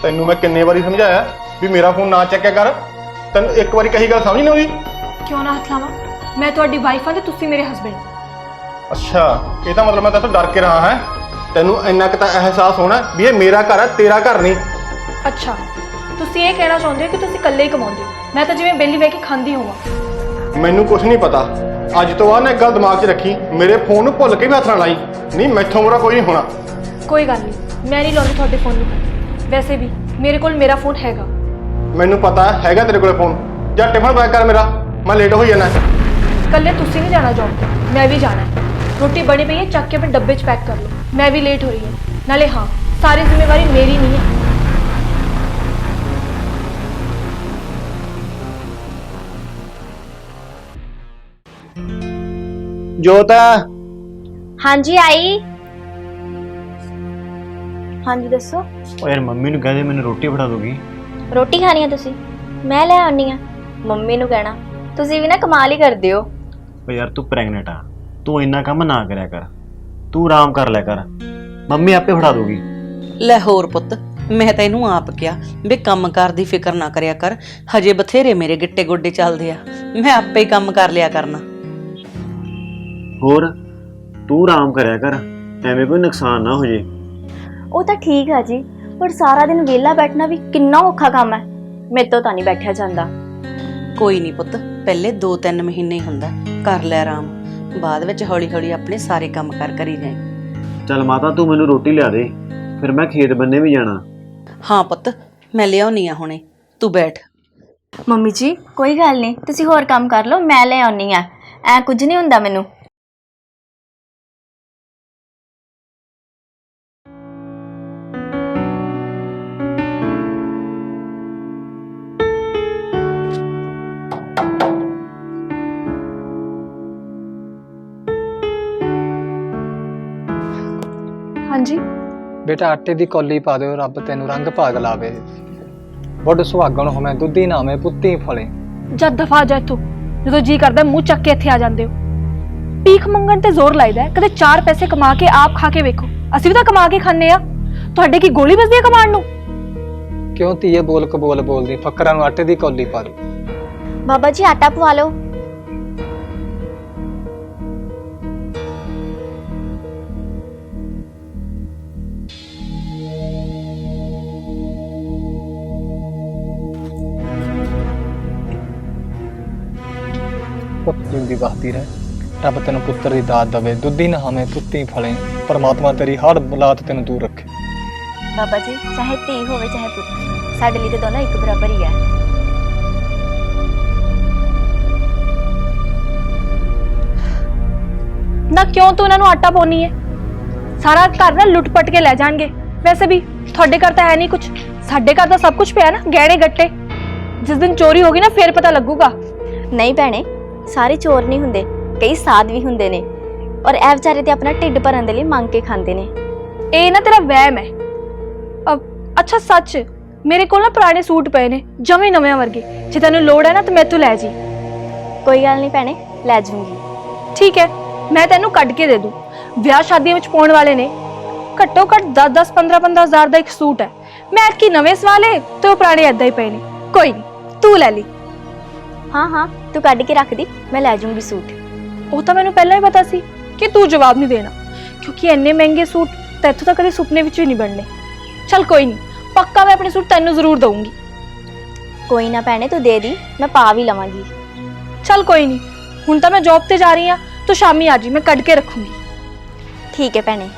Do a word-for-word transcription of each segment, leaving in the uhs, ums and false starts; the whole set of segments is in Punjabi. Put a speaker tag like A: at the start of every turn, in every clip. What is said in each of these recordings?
A: ਤੈਨੂੰ ਮੈਂ ਕਿੰਨੇ ਵਾਰੀ ਸਮਝਾਇਆ ਵੀ ਮੇਰਾ ਫੋਨ ਨਾ ਚੱਕਿਆ ਕਰ। ਤੈਨੂੰ ਇੱਕ ਵਾਰੀ ਕਹੀ ਗੱਲ ਸਮਝ ਨਹੀਂ ਆਉਂਦੀ?
B: ਕਿਉਂ ਨਾ ਹੱਥ ਲਾਵਾਂ? ਮੈਂ ਤੁਹਾਡੀ ਵਾਈਫ ਹਾਂ ਤੇ ਤੁਸੀਂ ਮੇਰੇ ਹਸਬੈਂਡ।
A: ਅੱਛਾ, ਇਹਦਾ ਮਤਲਬ ਮੈਂ ਤੇਰੇ ਤੋਂ ਡਰ ਕੇ ਰਹਾ ਹੈ। ਤੈਨੂੰ ਇੰਨਾ ਕੁ ਤਾਂ ਅਹਿਸਾਸ ਹੋਣਾ ਵੀ ਇਹ ਮੇਰਾ ਘਰ ਹੈ, ਤੇਰਾ ਘਰ ਨਹੀਂ।
B: ਅੱਛਾ, ਤੁਸੀਂ ਇਹ ਕਹਿਣਾ ਚਾਹੁੰਦੇ ਹੋ ਕਿ ਤੁਸੀਂ ਇਕੱਲੇ ਹੀ ਕਮਾਉਂਦੇ ਹੋ, ਮੈਂ ਤਾਂ ਜਿਵੇਂ ਬੇਲੀ ਬਹਿ ਕੇ ਖਾਂਦੀ ਹੋਵਾਂ।
A: ਮੈਨੂੰ ਕੁਝ ਨਹੀਂ ਪਤਾ। ਅੱਜ ਤੋਂ ਬਾਅਦ ਨਾ ਇੱਕ ਗੱਲ ਦਿਮਾਗ 'ਚ ਰੱਖੀ, ਮੇਰੇ ਫੋਨ ਨੂੰ ਭੁੱਲ ਕੇ ਵੀ ਹੱਥ ਨਾ ਲਾਈ। ਨਹੀਂ, ਮੈਥੋਂ ਬੁਰਾ ਕੋਈ ਨਹੀਂ ਹੋਣਾ।
B: ਕੋਈ ਗੱਲ ਨਹੀਂ, ਮੈਂ ਨਹੀਂ ਲਾਉਂਦੀ ਤੁਹਾਡੇ ਫੋਨ ਨੂੰ। ਵੈਸੇ ਵੀ ਮੇਰੇ ਕੋਲ ਮੇਰਾ ਫੋਨ ਹੈਗਾ।
A: ਮੈਨੂੰ ਪਤਾ ਹੈਗਾ ਤੇਰੇ ਕੋਲ ਫੋਨ। ਜਾਂ ਟਿਫਨ ਪੈਕ ਕਰ ਮੇਰਾ, ਮੈਂ ਲੇਟ ਹੋਈ ਜਾਣਾ।
B: ਇਕੱਲੇ ਤੁਸੀਂ ਨਹੀਂ ਜਾਣਾ ਜੌਬ ਤੇ, ਮੈਂ ਵੀ ਜਾਣਾ ਹੈ। ਰੋਟੀ ਬਣੀ ਪਈ ਹੈ, ਚੱਕ ਕੇ ਆਪਣੇ ਡੱਬੇ 'ਚ ਪੈਕ ਕਰ ਲਓ। ਮੈਂ ਵੀ ਲੇਟ ਹੋ ਰਹੀ ਹਾਂ। ਨਾਲੇ ਹਾਂ, ਸਾਰੀ ਜ਼ਿੰਮੇਵਾਰੀ ਮੇਰੀ ਨਹੀਂ ਹੈ।
C: जोत
D: हाँ जी आई। हाँ जी दसो।
C: ओ यार मम्मी नूं कह दे मैनूं रोटी फड़ा दोगी।
D: रोटी खानी है तुसी? मैं ले आनी है। मम्मी नूं कहना तुसी भी ना कमाल ही करदे हो।
C: ओ यार तू प्रेगनेंट आ, तू इन्ना काम ना करया कर, तू आराम कर लिया कर, मम्मी आपे फड़ा दोगी।
E: ਲੈ ਹੋਰ ਪੁੱਤ, ਮੈਂ ਤੈਨੂੰ ਆਪ ਕਿਹਾ ਵੀ ਕੰਮ ਕਾਰ ਦੀ ਫਿਕਰ ਨਾ ਕਰਿਆ ਕਰ, ਹਜੇ ਬਥੇਰੇ ਮੇਰੇ ਗਿੱਟੇ ਗੋਡੇ ਚੱਲਦੇ ਆ, ਮੈਂ ਆਪੇ ਹੀ ਕੰਮ ਕਰ ਲਿਆ ਕਰਨਾ।
C: ਹੋਰ ਤੂੰ ਆਰਾਮ ਕਰਿਆ ਕਰ, ਐਵੇਂ ਕੋਈ ਨੁਕਸਾਨ ਨਾ ਹੋ ਜੇ।
D: ਉਹ ਤਾਂ ਠੀਕ ਹੈ ਜੀ, ਪਰ ਸਾਰਾ ਦਿਨ ਵਿਹਲਾ ਬੈਠਣਾ ਵੀ ਕਿੰਨਾ ਔਖਾ ਕੰਮ ਹੈ। ਮੇਰੇ ਤੋਂ ਤਾਂ ਨਹੀਂ ਬੈਠਿਆ ਜਾਂਦਾ।
E: ਕੋਈ ਨਹੀਂ ਪੁੱਤ, ਪਹਿਲੇ ਦੋ ਤਿੰਨ ਮਹੀਨੇ ਹੀ ਹੁੰਦਾ, ਕਰ ਲੈ ਆਰਾਮ, ਬਾਅਦ ਵਿੱਚ ਹੌਲੀ ਹੌਲੀ ਆਪਣੇ ਸਾਰੇ ਕੰਮ ਕਰ ਕਰੀ ਜਾਏ।
C: ਚੱਲ ਮਾਤਾ ਤੂੰ ਮੈਨੂੰ ਰੋਟੀ ਲਿਆ ਦੇ, ਫਿਰ ਮੈਂ ਖੇਤ ਬੰਨੇ ਵੀ ਜਾਣਾ।
E: ਹਾਂ ਪੁੱਤ, ਮੈਂ ਲਿਆਉਣੀ ਆ ਹੁਣੇ, ਤੂੰ ਬੈਠ।
D: ਮੰਮੀ ਜੀ ਕੋਈ ਗੱਲ ਨਹੀਂ, ਤੁਸੀਂ ਹੋਰ ਕੰਮ ਕਰ ਲਓ, ਮੈਂ ਲੈ ਆਉਣੀ ਆ। ਐ ਕੁਝ ਨਹੀਂ ਹੁੰਦਾ ਮੈਨੂੰ।
B: हाँ जी
F: बेटा आटे की कौली पा दो, रब तेन रंग भाग लावे। बुढ़ सुहागण होवे दुधी नावे पुत्ती फले।
B: जद दफा जा इथों, जो जी करदा मूँह चक के इत्थे आ जांदे हो। भीख मंगण ते जोर लाइदा है, कदे चार पैसे कमा के आप खा के वेखो। असीं भी तां कमा के खाने आ, तुहाडे की गोली बजदी है कमाण नूं?
F: क्यों धीए बोल कबोल बोलदी, फकरां नूं आटे की कौली पा दो।
D: बाबा जी आटा पवा लो।
F: पुत जिंदी बसती रहे, रब तेन पुत्र की दात दवे, दुधी नहावे पुत्ती फले। परमात्मा तेरी हर बलात तेन दूर रखे।
D: बाबा जी चाहे धी होवे चाहे पुत्र, साडे लिए तो दोनों एक बराबर ही है।
B: ना क्यों तू इन्हां नूं आटा पाउणी है? सारा घर ना लुट पट के लै जाणगे। वैसे भी तुहाडे घर तां है नहीं कुछ, साडे घर तां सब कुछ पिया ना, गहणे गट्टे। जिस दिन चोरी होगी ना फिर पता लगूगा।
D: नहीं भैणे, सारे चोर नहीं हुंदे, कई साध भी हुंदे ने, और ए विचारे ते अपना ढिड भरन दे लई मंग के खांदे ने।
B: ए ना तेरा वहम है। अब अच्छा सच, मेरे कोल ना पुराने सूट पए ने जमे नवे वर्गे, जे तैनूं लोड़ है ना तो मैथों लै जी।
D: कोई गल नहीं भैणे, लै जूंगी।
B: ठीक है, मैं तैनूं कढ के दे दूं। विआह शादियां विच पाउण वाले ने, घट्टो घट दस दस पंद्रह पंद्रह हजार दा एक सूट है। मैं ऐतकी नवे सवा ले ते ओह पुराने ऐदां ही पए ने। कोई नहीं, तू लै ली।
D: हाँ हाँ तू कढ़ के रख दी, मैं लै जूंगी सूट।
B: ਉਹ ਤਾਂ ਮੈਨੂੰ ਪਹਿਲਾਂ ਹੀ ਪਤਾ ਸੀ ਕਿ ਤੂੰ ਜਵਾਬ ਨਹੀਂ ਦੇਣਾ, ਕਿਉਂਕਿ ਇੰਨੇ ਮਹਿੰਗੇ ਸੂਟ ਤੈਥੋਂ ਤਾਂ ਕਦੇ ਸੁਪਨੇ ਵਿੱਚ ਵੀ ਨਹੀਂ ਬਣਨੇ। ਚੱਲ ਕੋਈ ਨਹੀਂ, ਪੱਕਾ ਮੈਂ ਆਪਣੇ ਸੂਟ ਤੈਨੂੰ ਜ਼ਰੂਰ ਦਊਂਗੀ।
D: कोई ना भैणे तू दे दी, मैं पा भी लवांगी।
B: ਚੱਲ ਕੋਈ ਨਹੀਂ, ਹੁਣ ਤਾਂ ਮੈਂ ਜੌਬ ਤੇ ਜਾ ਰਹੀ ਹਾਂ, ਤੂੰ ਸ਼ਾਮੀ ਆ ਜੀ, ਮੈਂ ਕੱਢ ਕੇ ਰੱਖੂੰਗੀ।
D: ठीक है भैणे।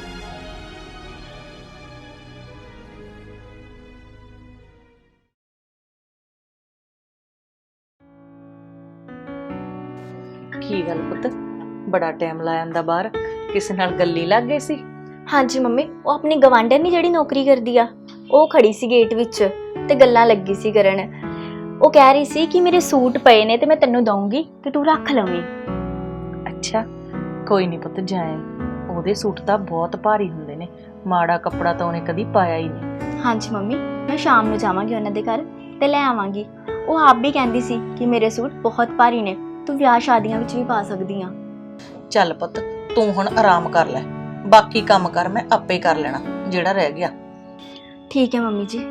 E: ਕੀ ਗੱਲ ਪੁੱਤ, ਬੜਾ ਟਾਈਮ ਲਾ ਜਾਂਦਾ ਬਾਹਰ, ਕਿਸੇ ਨਾਲ ਗੱਲੀ ਲੱਗ ਗਈ ਸੀ?
D: हाँ जी मम्मी, वो अपनी गवांढन नहीं जिहड़ी नौकरी करदी आ, ਉਹ ਖੜੀ ਸੀ ਗੇਟ ਵਿੱਚ ਤੇ ਗੱਲਾਂ ਲੱਗੀ ਸੀ ਕਰਨ। ਉਹ ਕਹਿ ਰਹੀ ਸੀ ਕਿ ਮੇਰੇ ਸੂਟ ਪਏ ਨੇ ਤੇ ਮੈਂ ਤੈਨੂੰ ਦਊਂਗੀ ਤੇ ਤੂੰ ਰੱਖ ਲਵੇਂ।
E: ਅੱਛਾ, ਕੋਈ ਨਹੀਂ ਪੁੱਤ, ਜਾਏ। ਉਹਦੇ ਸੂਟ ਤਾਂ ਬਹੁਤ ਭਾਰੀ ਹੁੰਦੇ ਨੇ, ਮਾੜਾ ਕੱਪੜਾ ਤਾਂ ਉਹਨੇ ਕਦੀ ਪਾਇਆ ਹੀ ਨਹੀਂ।
D: ਹਾਂਜੀ ਮੰਮੀ, ਮੈਂ ਸ਼ਾਮ ਨੂੰ ਜਾਵਾਂਗੀ ਉਹਨਾਂ ਦੇ ਘਰ ਤੇ ਲੈ ਆਵਾਂਗੀ। ਉਹ ਆਪ ਵੀ ਕਹਿੰਦੀ ਸੀ ਕਿ ਮੇਰੇ ਸੂਟ ਬਹੁਤ ਭਾਰੀ ਨੇ, ਤੂੰ ਵਿਆਹ ਸ਼ਾਦੀਆਂ ਵਿੱਚ ਵੀ ਪਾ ਸਕਦੀ ਆ।
E: ਚੱਲ ਪੁੱਤ, ਤੂੰ ਹੁਣ ਆਰਾਮ ਕਰ ਲੈ, ਬਾਕੀ ਕੰਮ ਕਰ ਮੈਂ ਆਪੇ ਕਰ ਲੈਣਾ ਜਿਹੜਾ ਰਹਿ ਗਿਆ।
D: ਠੀਕ ਹੈ ਮੰਮੀ ਜੀ।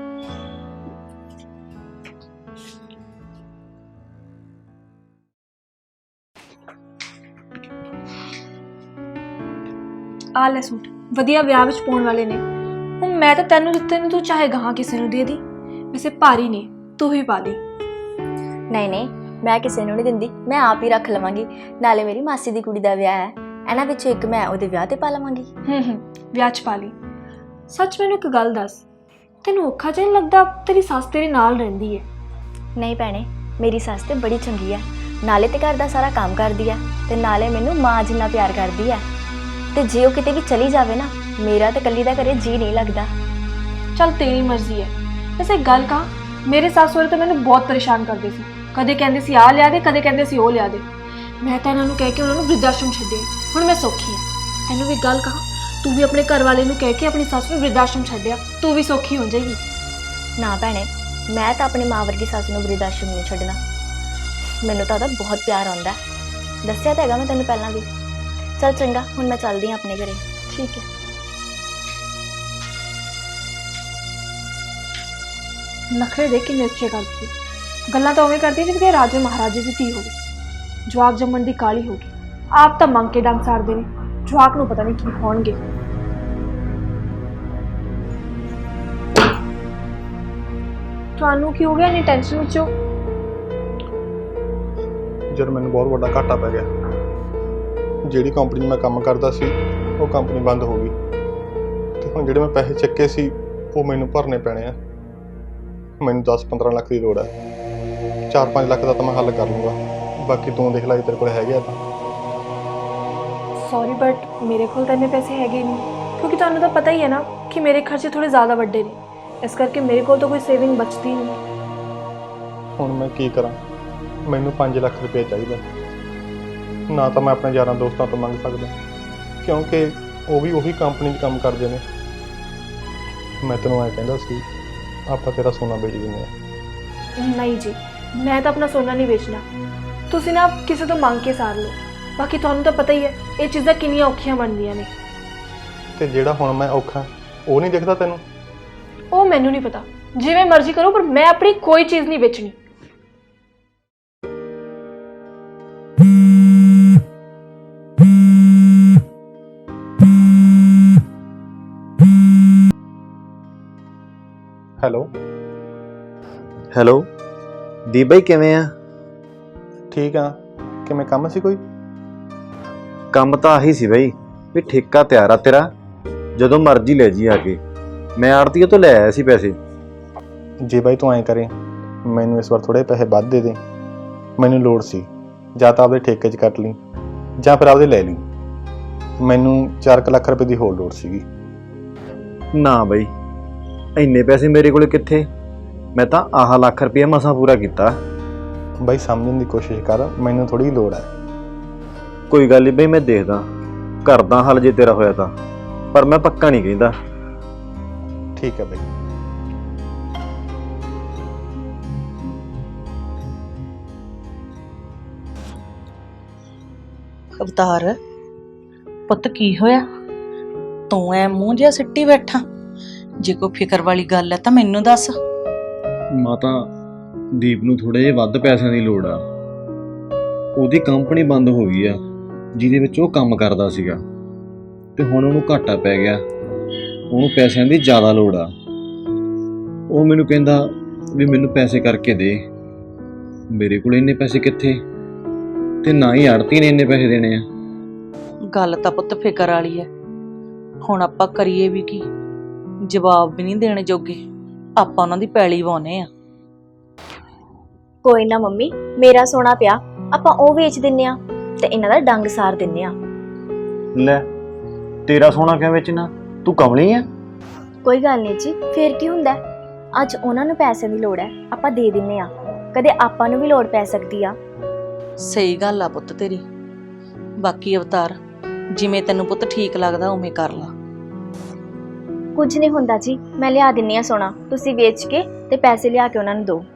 B: ਆ ਲੈ ਸੂਟ, ਵਧੀਆ ਵਿਆਹ ਵਿੱਚ ਪਾਉਣ ਵਾਲੇ ਨੇ। ਹੁਣ ਮੈਂ ਤਾਂ ਤੈਨੂੰ ਦਿੱਤੇ ਨੇ, ਤੂੰ ਚਾਹੇ ਗਾਹਾਂ ਕਿਸੇ ਨੂੰ ਦੇ ਦੀ। ਵੈਸੇ ਭਾਰੀ ਨੇ, ਤੂੰ ਹੀ ਪਾ ਲਈ।
D: ਨਹੀਂ ਨਹੀਂ, ਮੈਂ ਕਿਸੇ ਨੂੰ ਨਹੀਂ ਦਿੰਦੀ, ਮੈਂ ਆਪ ਹੀ ਰੱਖ ਲਵਾਂਗੀ। ਨਾਲੇ ਮੇਰੀ ਮਾਸੀ ਦੀ ਕੁੜੀ ਦਾ ਵਿਆਹ ਹੈ, ਇਹਨਾਂ ਵਿੱਚੋਂ ਇੱਕ ਮੈਂ ਉਹਦੇ ਵਿਆਹ ਤੇ ਪਾ ਲਵਾਂਗੀ।
B: ਹੂੰ ਹੂੰ, ਵਿਆਹ 'ਚ ਪਾ ਲਈ। ਸੱਚ ਮੈਨੂੰ ਇੱਕ ਗੱਲ ਦੱਸ, ਤੈਨੂੰ ਔਖਾ ਜਿਹਾ ਨਹੀਂ ਲੱਗਦਾ? ਤੇਰੀ ਸੱਸ ਤੇਰੇ ਨਾਲ ਰਹਿੰਦੀ ਹੈ।
D: ਨਹੀਂ ਭੈਣੇ, ਮੇਰੀ ਸੱਸ ਤੇ ਬੜੀ ਚੰਗੀ ਹੈ। ਨਾਲੇ ਤੇ ਘਰ ਦਾ ਸਾਰਾ ਕੰਮ ਕਰਦੀ ਹੈ ਤੇ ਨਾਲੇ ਮੈਨੂੰ ਮਾਂ ਜਿੰਨਾ ਪਿਆਰ ਕਰਦੀ ਹੈ। ਤੇ ਜੇ ਉਹ ਕਿਤੇ ਵੀ ਚਲੀ ਜਾਵੇ ਨਾ, ਮੇਰਾ ਤੇ ਇਕੱਲੀ ਦਾ ਘਰੇ ਜੀ ਨਹੀਂ ਲੱਗਦਾ।
B: ਚੱਲ ਤੇਰੀ ਮਰਜ਼ੀ ਹੈ। ਵੈਸੇ ਇੱਕ ਗੱਲ ਕਹਾਂ, ਮੇਰੇ ਸੱਸ ਸਹੁਰੇ ਤਾਂ ਮੈਨੂੰ ਬਹੁਤ ਪਰੇਸ਼ਾਨ ਕਰਦੇ ਸੀ। ਕਦੇ ਕਹਿੰਦੇ ਸੀ ਆਹ ਲਿਆ ਦੇ, ਕਦੇ ਕਹਿੰਦੇ ਸੀ ਉਹ ਲਿਆ ਦੇ। ਮੈਂ ਤਾਂ ਇਹਨਾਂ ਨੂੰ ਕਹਿ ਕੇ ਉਹਨਾਂ ਨੂੰ ਵ੍ਰਿੱਧ-ਆਸ਼ਰਮ ਛੱਡਿਆ। ਹੁਣ ਮੈਂ ਸੌਖੀ ਹਾਂ। ਤੈਨੂੰ ਵੀ ਗੱਲ ਕਹਾਂ, ਤੂੰ ਵੀ ਆਪਣੇ ਘਰ ਵਾਲੇ ਨੂੰ ਕਹਿ ਕੇ ਆਪਣੀ ਸੱਸ ਨੂੰ ਵ੍ਰਿੱਧ-ਆਸ਼ਰਮ ਛੱਡਿਆ, ਤੂੰ ਵੀ ਸੌਖੀ ਹੋ ਜਾਏਗੀ।
D: ਨਾ ਭੈਣੇ, ਮੈਂ ਤਾਂ ਆਪਣੀ ਮਾਂ ਵਰਗੀ ਸੱਸ ਨੂੰ ਵ੍ਰਿੱਧ-ਆਸ਼ਰਮ ਨਹੀਂ ਛੱਡਣਾ। ਮੈਨੂੰ ਤਾਂ ਉਹਦਾ ਬਹੁਤ ਪਿਆਰ ਆਉਂਦਾ। ਦੱਸਿਆ ਤਾਂ ਹੈਗਾ ਮੈਂ ਤੈਨੂੰ ਪਹਿਲਾਂ ਵੀ। ਚੱਲ ਚੰਗਾ, ਹੁਣ ਮੈਂ ਚੱਲਦੀ ਹਾਂ ਆਪਣੇ ਘਰੇ।
B: ਠੀਕ ਹੈ। ਨਖਰੇ ਦੇਖ ਕਿੰਨੇ ਉੱਚੇ ਕਰਦੀ, ਗੱਲਾਂ ਤਾਂ ਉਵੇਂ ਕਰਦੀ ਜਿਵੇਂ ਕਿ ਰਾਜੇ ਮਹਾਰਾਜੇ ਦੀ ਧੀ ਹੋਵੇ। ਜਵਾਕ ਜੰਮਣ ਦੀ ਕਾਲੀ ਹੋ ਗਈ। ਆਪ ਤਾਂ ਮੰਗ ਕੇ ਡੰਗ ਸਾਰਦੇ ਨੇ, ਜਵਾਕ ਨੂੰ ਪਤਾ ਨਹੀਂ ਕੀ ਹੋਣਗੇ। ਤੁਹਾਨੂੰ ਕੀ ਹੋ ਗਿਆ? ਨਹੀਂ ਟੈਨਸ਼ਨ ਵਿੱਚ ਹੋ?
A: ਜਦ ਮੈਨੂੰ ਬਹੁਤ ਵੱਡਾ ਘਾਟਾ ਪੈ ਗਿਆ। ਜਿਹੜੀ ਕੰਪਨੀ 'ਚ ਮੈਂ ਕੰਮ ਕਰਦਾ ਸੀ, ਉਹ ਕੰਪਨੀ ਬੰਦ ਹੋ ਗਈ ਤੇ ਹੁਣ ਜਿਹੜੇ ਮੈਂ ਪੈਸੇ ਚੱਕੇ ਸੀ ਉਹ ਮੈਨੂੰ ਭਰਨੇ ਪੈਣੇ ਆ। ਮੈਨੂੰ ਦਸ ਪੰਦਰਾਂ ਲੱਖ ਦੀ ਲੋੜ ਹੈ। ਚਾਰ ਪੰਜ ਲੱਖ ਦਾ ਤਾਂ ਮੈਂ ਹੱਲ ਕਰ ਲੂੰਗਾ, ਬਾਕੀ ਤੂੰ ਦੇਖ ਲੈ, ਤੇਰੇ ਕੋਲ ਹੈਗੇ ਆ ਤਾਂ।
B: ਸੌਰੀ ਬਟ ਮੇਰੇ ਕੋਲ ਤਾਂ ਇੰਨੇ ਪੈਸੇ ਹੈਗੇ ਨਹੀਂ, ਕਿਉਂਕਿ ਤੁਹਾਨੂੰ ਤਾਂ ਪਤਾ ਹੀ ਹੈ ਨਾ ਕਿ ਮੇਰੇ ਖਰਚੇ ਥੋੜੇ ਜ਼ਿਆਦਾ ਵੱਡੇ ਨੇ। ਇਸ ਕਰਕੇ ਮੇਰੇ ਕੋਲ ਤਾਂ ਕੋਈ ਸੇਵਿੰਗ ਬਚਦੀ ਨਹੀਂ।
A: ਹੁਣ ਮੈਂ ਕੀ ਕਰਾਂ? ਮੈਨੂੰ ਪੰਜ ਲੱਖ ਰੁਪਏ ਚਾਹੀਦਾ। ਨਾ ਤਾਂ ਮੈਂ ਆਪਣੇ ਯਾਰਾਂ ਦੋਸਤਾਂ ਤੋਂ ਮੰਗ ਸਕਦਾ, ਕਿਉਂਕਿ ਉਹ ਵੀ ਉਹੀ ਕੰਪਨੀ 'ਚ ਕੰਮ ਕਰਦੇ ਨੇ। ਮੈਂ ਤੈਨੂੰ ਐਂ ਕਹਿੰਦਾ ਸੀ, ਆਪਾਂ ਤੇਰਾ ਸੋਨਾ ਵੇਚ ਦਿੰਦੇ ਹਾਂ।
B: ਨਹੀਂ ਜੀ, ਮੈਂ ਤਾਂ ਆਪਣਾ ਸੋਨਾ ਨਹੀਂ ਵੇਚਣਾ। ਤੁਸੀਂ ਨਾ ਕਿਸੇ ਤੋਂ ਮੰਗ ਕੇ ਸਾਰ ਲਓ। ਬਾਕੀ ਤੁਹਾਨੂੰ ਤਾਂ ਪਤਾ ਹੀ ਹੈ ਇਹ ਚੀਜ਼ਾਂ ਕਿੰਨੀਆਂ ਔਖੀਆਂ ਬਣਦੀਆਂ ਨੇ।
A: ਤੇ ਜਿਹੜਾ ਹੁਣ ਮੈਂ ਔਖਾ, ਉਹ ਨਹੀਂ ਦਿਖਦਾ ਤੈਨੂੰ?
B: ਉਹ ਮੈਨੂੰ ਨਹੀਂ ਪਤਾ, ਜਿਵੇਂ ਮਰਜ਼ੀ ਕਰੋ, ਪਰ ਮੈਂ ਆਪਣੀ ਕੋਈ ਚੀਜ਼ ਨਹੀਂ ਵੇਚਣੀ।
A: ਹੈਲੋ
C: ਹੈਲੋ ਦੀਪ ਬਾਈ, ਕਿਵੇਂ ਆ?
A: ਠੀਕ ਆ। ਕਿਵੇਂ, ਕੰਮ ਸੀ ਕੋਈ?
C: ਕੰਮ ਤਾਂ ਆਹੀ ਸੀ ਬਾਈ ਵੀ ਠੇਕਾ ਤਿਆਰ ਆ ਤੇਰਾ, ਜਦੋਂ ਮਰਜ਼ੀ ਲੈ ਜੀ ਆ ਕੇ। ਮੈਂ ਆੜਤੀਏ ਤੋਂ ਲੈ ਆਇਆ ਸੀ ਪੈਸੇ।
A: ਜੇ ਬਾਈ ਤੂੰ ਐਂ ਕਰੇ, ਮੈਨੂੰ ਇਸ ਵਾਰ ਥੋੜ੍ਹੇ ਪੈਸੇ ਵੱਧ ਦੇ ਦੇ। ਮੈਨੂੰ ਲੋੜ ਸੀ, ਜਾਂ ਤਾਂ ਆਪਦੇ ਠੇਕੇ 'ਚ ਕੱਟ ਲਈ ਜਾਂ ਫਿਰ ਆਪਦੇ ਲੈ ਲਈ। ਮੈਨੂੰ ਚਾਰ ਕੁ ਲੱਖ ਰੁਪਏ ਦੀ ਹੋਰ ਲੋੜ ਸੀਗੀ।
C: ਨਾ ਬਾਈ, ਇੰਨੇ ਪੈਸੇ ਮੇਰੇ ਕੋਲ ਕਿੱਥੇ? ਮੈਂ ਤਾਂ ਆਹ ਲੱਖ ਰੁਪਏ ਮਸਾਂ ਪੂਰਾ ਕੀਤਾ।
A: ਬਾਈ ਸਮਝਣ ਦੀ ਕੋਸ਼ਿਸ਼ ਕਰ, ਮੈਨੂੰ ਥੋੜ੍ਹੀ ਲੋੜ ਹੈ।
C: ਕੋਈ ਗੱਲ ਨਹੀਂ ਬਈ, ਮੈਂ ਦੇਖਦਾ, ਕਰਦਾ ਹੱਲ ਜੇ ਤੇਰਾ ਹੋਇਆ ਤਾਂ, ਪਰ ਮੈਂ ਪੱਕਾ ਨਹੀਂ ਕਹਿੰਦਾ।
A: ਠੀਕ ਹੈ ਬਾਈ।
E: ਅਵਤਾਰ ਪੁੱਤ, ਕੀ ਹੋਇਆ? ਤੂੰ ਐ ਮੂੰਹ ਜਿਹਾ ਸਿੱਟੀ ਬੈਠਾ। ਜੇ ਕੋਈ ਫਿਕਰ ਵਾਲੀ ਗੱਲ ਹੈ ਤਾਂ ਮੈਨੂੰ ਦੱਸ।
C: ਮਾਤਾ, ਦੀਪ ਨੂੰ ਥੋੜੇ ਜਿਹੇ ਵੱਧ ਪੈਸਿਆਂ ਦੀ ਲੋੜ ਆ। ਉਹਦੀ ਕੰਪਨੀ ਬੰਦ ਹੋ ਗਈ ਆ ਜਿਹਦੇ ਵਿੱਚ ਉਹ ਕੰਮ ਕਰਦਾ ਸੀਗਾ, ਤੇ ਹੁਣ ਉਹਨੂੰ ਘਾਟਾ ਪੈ ਗਿਆ। ਉਹਨੂੰ ਪੈਸਿਆਂ ਦੀ ਜ਼ਿਆਦਾ ਲੋੜ ਆ। ਉਹ ਮੈਨੂੰ ਕਹਿੰਦਾ ਵੀ ਮੈਨੂੰ ਪੈਸੇ ਕਰਕੇ ਦੇ। ਮੇਰੇ ਕੋਲ ਇੰਨੇ ਪੈਸੇ ਕਿੱਥੇ, ਤੇ ਨਾ ਹੀ ਆੜਤੀ ਨੇ ਇੰਨੇ ਪੈਸੇ ਦੇਣੇ ਆ।
E: ਗੱਲ ਤਾਂ ਪੁੱਤ ਫਿਕਰ ਵਾਲੀ ਹੈ। ਹੁਣ ਆਪਾਂ ਕਰੀਏ ਵੀ ਕੀ? ਜਵਾਬ ਵੀ ਨਹੀਂ ਦੇਣੇ ਜੋਗੇ। ਆਪਾਂ ਉਹਨਾਂ ਦੀ ਪੈਲੀ ਵਾਉਨੇ ਆ।
D: ਕੋਈ ਨਾ ਮੰਮੀ, ਮੇਰਾ ਸੋਨਾ ਪਿਆ, ਆਪਾਂ ਉਹ ਵੇਚ ਦਿੰਨੇ ਆ ਤੇ ਇਹਨਾਂ ਦਾ ਡੰਗ ਸਾਰ ਦਿੰਨੇ ਆ।
C: ਲੈ, ਤੇਰਾ ਸੋਨਾ ਕਿਵੇਂ ਵੇਚਣਾ? ਤੂੰ ਕਮਲੀ ਆ?
D: ਕੋਈ ਗੱਲ ਨਹੀਂ ਜੀ, ਫੇਰ ਕੀ ਹੁੰਦਾ? ਅੱਜ ਉਹਨਾਂ ਨੂੰ ਪੈਸੇ ਦੀ ਲੋੜ ਹੈ, ਆਪਾਂ ਦੇ ਦਿੰਨੇ ਆ। ਕਦੇ ਆਪਾਂ ਨੂੰ ਵੀ ਲੋੜ ਪੈ ਸਕਦੀ ਆ।
E: ਸਹੀ ਗੱਲ ਆ ਪੁੱਤ ਤੇਰੀ। ਬਾਕੀ ਅਵਤਾਰ, ਜਿਵੇਂ ਤੈਨੂੰ ਪੁੱਤ ਠੀਕ ਲੱਗਦਾ ਉਵੇਂ ਕਰ ਲਾ।
D: ਕੁਝ ਨਹੀਂ ਹੁੰਦਾ ਜੀ, ਮੈਂ ਲਿਆ ਦਿੰਨੀ ਆ ਸੋਨਾ। ਤੁਸੀਂ ਵੇਚ ਕੇ ਤੇ ਪੈਸੇ ਲਿਆ ਕੇ ਉਹਨਾਂ ਨੂੰ ਦਿਓ।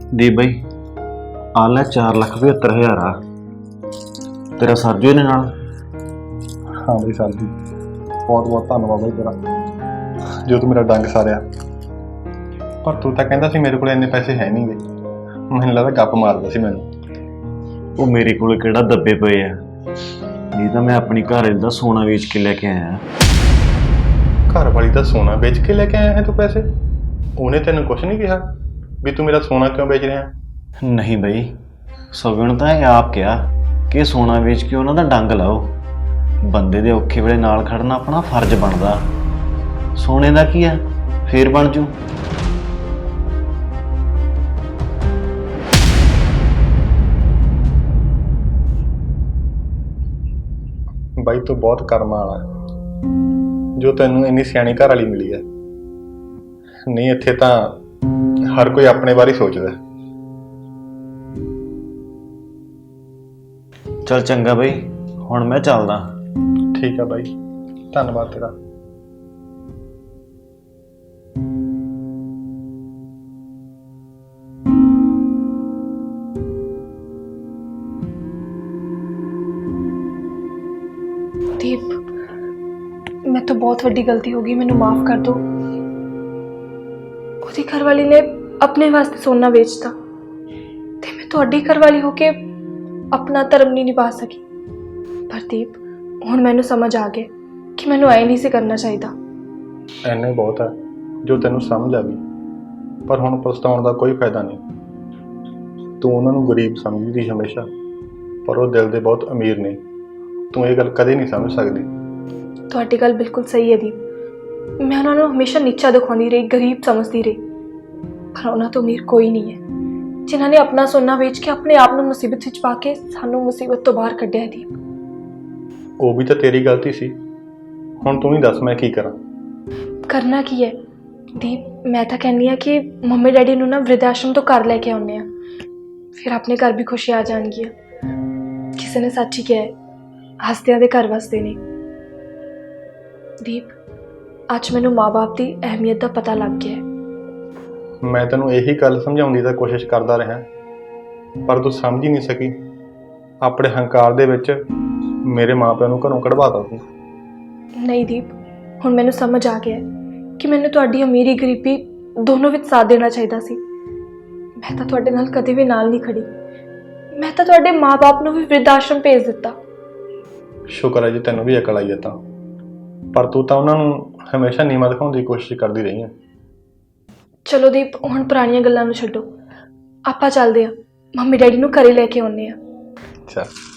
C: ਦੀਪ ਬਾਈ ਆ ਲੈ ਚਾਰ ਲੱਖ ਪਝੱਤਰ ਹਜ਼ਾਰ ਆ ਤੇਰਾ ਸਰਜੂ ਇਹਨੇ ਨਾਲ।
A: ਹਾਂ ਬਈ ਸਰ ਜੀ, ਬਹੁਤ ਬਹੁਤ ਧੰਨਵਾਦ ਬਈ ਤੇਰਾ, ਜੋ ਤੂੰ ਮੇਰਾ ਡੰਗ ਸਾਰਿਆ। ਪਰ ਤੂੰ ਤਾਂ ਕਹਿੰਦਾ ਸੀ ਮੇਰੇ ਕੋਲ ਇੰਨੇ ਪੈਸੇ ਹੈ ਨਹੀਂਗੇ, ਮੈਨੂੰ ਲੱਗਦਾ ਗੱਪ ਮਾਰਦਾ ਸੀ ਮੈਨੂੰ।
C: ਉਹ ਮੇਰੇ ਕੋਲ ਕਿਹੜਾ ਦੱਬੇ ਪਏ ਆ, ਨਹੀਂ ਤਾਂ ਮੈਂ ਆਪਣੀ ਘਰ ਦਾ ਸੋਨਾ ਵੇਚ ਕੇ ਲੈ ਕੇ ਆਇਆ।
A: ਘਰ ਵਾਲੀ ਦਾ ਸੋਨਾ ਵੇਚ ਕੇ ਲੈ ਕੇ ਆਇਆ ਹੈ ਤੂੰ ਪੈਸੇ? ਉਹਨੇ ਤੈਨੂੰ ਕੁਝ ਨਹੀਂ ਕਿਹਾ ਵੀ ਤੂੰ ਮੇਰਾ ਸੋਨਾ ਕਿਉਂ ਵੇਚ ਰਿਹਾ?
C: ਨਹੀਂ ਬਈ, ਸਗਣ ਤਾਂ ਇਹ ਆਪ ਕਿਹਾ ਕਿ ਸੋਨਾ ਵੇਚ ਕੇ ਉਹਨਾਂ ਦਾ ਡੰਗ ਲਾਓ। ਬੰਦੇ ਦੇ ਔਖੇ ਵੇਲੇ ਨਾਲ ਖੜਨਾ ਆਪਣਾ ਫਰਜ਼ ਬਣਦਾ। ਸੋਨੇ ਦਾ ਕੀ ਆ, ਫੇਰ ਬਣ ਜੂ।
A: ਬਾਈ ਤੂੰ ਬਹੁਤ ਕਰਮਾਂ ਵਾਲਾ ਹੈ ਜੋ ਤੈਨੂੰ ਇੰਨੀ ਸਿਆਣੀ ਘਰ ਵਾਲੀ ਮਿਲੀ ਹੈ। ਨਹੀਂ ਇੱਥੇ ਤਾਂ ਹਰ ਕੋਈ ਆਪਣੇ ਬਾਰੇ ਸੋਚਦਾ।
C: ਚੱਲ ਚੰਗਾ ਬਈ, ਹੁਣ ਮੈਂ ਚੱਲਦਾ।
A: ਠੀਕ ਆ ਬਾਈ, ਧੰਨਵਾਦ ਤੇਰਾ।
B: ਦੀਪ, ਮੈਂ ਤੋਂ ਬਹੁਤ ਵੱਡੀ ਗਲਤੀ ਹੋ ਗਈ, ਮੈਨੂੰ ਮਾਫ ਕਰ ਦਿਓ। ਉਹਦੀ ਘਰਵਾਲੀ ਨੇ ਆਪਣੇ ਵਾਸਤੇ ਸੋਨਾ ਵੇਚਤਾ ਤੇ ਮੈਂ ਤੁਹਾਡੀ ਘਰਵਾਲੀ ਹੋ ਕੇ ਆਪਣਾ ਧਰਮ ਨਹੀਂ ਨਿਭਾ ਸਕੀ। ਪਰ ਦੀਪ, ਹੁਣ ਮੈਨੂੰ ਸਮਝ ਆ ਗਿਆ ਕਿ ਮੈਨੂੰ ਐ ਨਹੀਂ ਸੀ ਕਰਨਾ ਚਾਹੀਦਾ।
A: ਐਨੇ ਬਹੁਤ ਹੈ ਜੋ ਤੈਨੂੰ ਸਮਝ ਆ ਗਈ, ਪਰ ਹੁਣ ਪਛਤਾਉਣ ਦਾ ਕੋਈ ਫਾਇਦਾ ਨਹੀਂ। ਤੂੰ ਉਹਨਾਂ ਨੂੰ ਗਰੀਬ ਸਮਝਦੀ ਹਮੇਸ਼ਾ, ਪਰ ਉਹ ਦਿਲ ਦੇ ਬਹੁਤ ਅਮੀਰ ਨੇ। ਤੂੰ ਇਹ ਗੱਲ ਕਦੇ ਨਹੀਂ ਸਮਝ ਸਕਦੀ।
B: ਤੁਹਾਡੀ ਗੱਲ ਬਿਲਕੁਲ ਸਹੀ ਹੈ ਦੀਪ। ਮੈਂ ਉਹਨਾਂ ਨੂੰ ਹਮੇਸ਼ਾ ਨੀਚਾ ਦਿਖਾਉਂਦੀ ਰਹੀ, ਗਰੀਬ ਸਮਝਦੀ ਰਹੀ, ਪਰ ਉਹਨਾਂ ਤੋਂ ਅਮੀਰ ਕੋਈ ਨਹੀਂ ਹੈ ਜਿਨ੍ਹਾਂ ਨੇ ਆਪਣਾ ਸੋਨਾ ਵੇਚ ਕੇ ਆਪਣੇ ਆਪ ਨੂੰ ਮੁਸੀਬਤ ਵਿੱਚ ਪਾ ਕੇ ਸਾਨੂੰ ਮੁਸੀਬਤ ਤੋਂ ਬਾਹਰ ਕੱਢਿਆ ਹੈ। ਦੀਪ,
A: ਉਹ ਵੀ ਤਾਂ ਤੇਰੀ ਗਲਤੀ ਸੀ। ਹੁਣ ਤੂੰ ਹੀ ਦੱਸ ਮੈਂ ਕੀ ਕਰਾਂ?
B: ਕਰਨਾ ਕੀ ਹੈ ਦੀਪ? ਮੈਂ ਤਾਂ ਕਹਿੰਦੀ ਹਾਂ ਕਿ ਮੰਮੀ ਡੈਡੀ ਨੂੰ ਨਾ ਵ੍ਰਿਧ ਆਸ਼ਰਮ ਤੋਂ ਘਰ ਲੈ ਕੇ ਆਉਂਦੇ ਆ, ਫਿਰ ਆਪਣੇ ਘਰ ਵੀ ਖੁਸ਼ੀ ਆ ਜਾਣਗੀਆਂ। ਕਿਸੇ ਨੇ ਸੱਚ ਹੀ ਕਿਹਾ ਹੈ, ਹੱਸਦਿਆਂ ਦੇ ਘਰ ਵਸਦੇ ਨੇ। ਦੀਪ, ਅੱਜ ਮੈਨੂੰ ਮਾਂ-ਬਾਪ ਦੀ ਅਹਿਮੀਅਤ ਦਾ ਪਤਾ ਲੱਗ ਗਿਆ ਹੈ।
A: ਮੈਂ ਤੈਨੂੰ ਇਹੀ ਗੱਲ ਸਮਝਾਉਣ ਦੀ ਤਾਂ ਕੋਸ਼ਿਸ਼ ਕਰਦਾ ਰਿਹਾ, ਪਰ ਤੂੰ ਸਮਝ ਹੀ ਨਹੀਂ ਸਕੀ। ਆਪਣੇ ਹੰਕਾਰ ਦੇ ਵਿੱਚ ਮੇਰੇ ਮਾਪਿਆਂ ਨੂੰ ਘਰੋਂ ਕਢਵਾਤਾ ਤੂੰ।
B: ਨਹੀਂ ਦੀਪ, ਹੁਣ ਮੈਨੂੰ ਸਮਝ ਆ ਗਿਆ ਹੈ ਕਿ ਮੈਨੂੰ ਤੁਹਾਡੀ ਅਮੀਰੀ ਗਰੀਬੀ ਦੋਨੋਂ ਵਿੱਚ ਸਾਥ ਦੇਣਾ ਚਾਹੀਦਾ ਸੀ। ਮੈਂ ਤਾਂ ਤੁਹਾਡੇ ਨਾਲ ਕਦੇ ਵੀ ਨਾਲ ਨਹੀਂ ਖੜੀ। ਮੈਂ ਤਾਂ ਤੁਹਾਡੇ ਮਾਂ-ਬਾਪ ਨੂੰ ਵੀ ਵ੍ਰਿਧ ਆਸ਼ਰਮ ਭੇਜ ਦਿੱਤਾ।
A: ਸ਼ੁਕਰ ਹੈ ਜੀ ਤੈਨੂੰ ਵੀ ਅਕਲ ਆਈ ਹੈ ਤਾਂ, ਪਰ ਤੂੰ ਤਾਂ ਉਹਨਾਂ ਨੂੰ ਹਮੇਸ਼ਾ ਨੀਵਾਂ ਦਿਖਾਉਣ ਦੀ ਕੋਸ਼ਿਸ਼ ਕਰਦੀ ਰਹੀ ਹੈ।
B: ਚਲੋ ਦੀਪ, ਹੁਣ ਪੁਰਾਣੀਆਂ ਗੱਲਾਂ ਨੂੰ ਛੱਡੋ, ਆਪਾਂ ਚੱਲਦੇ ਹਾਂ, ਮੰਮੀ ਡੈਡੀ ਨੂੰ ਘਰੇ ਲੈ ਕੇ ਆਉਂਦੇ ਹਾਂ।
A: ਚੱਲ।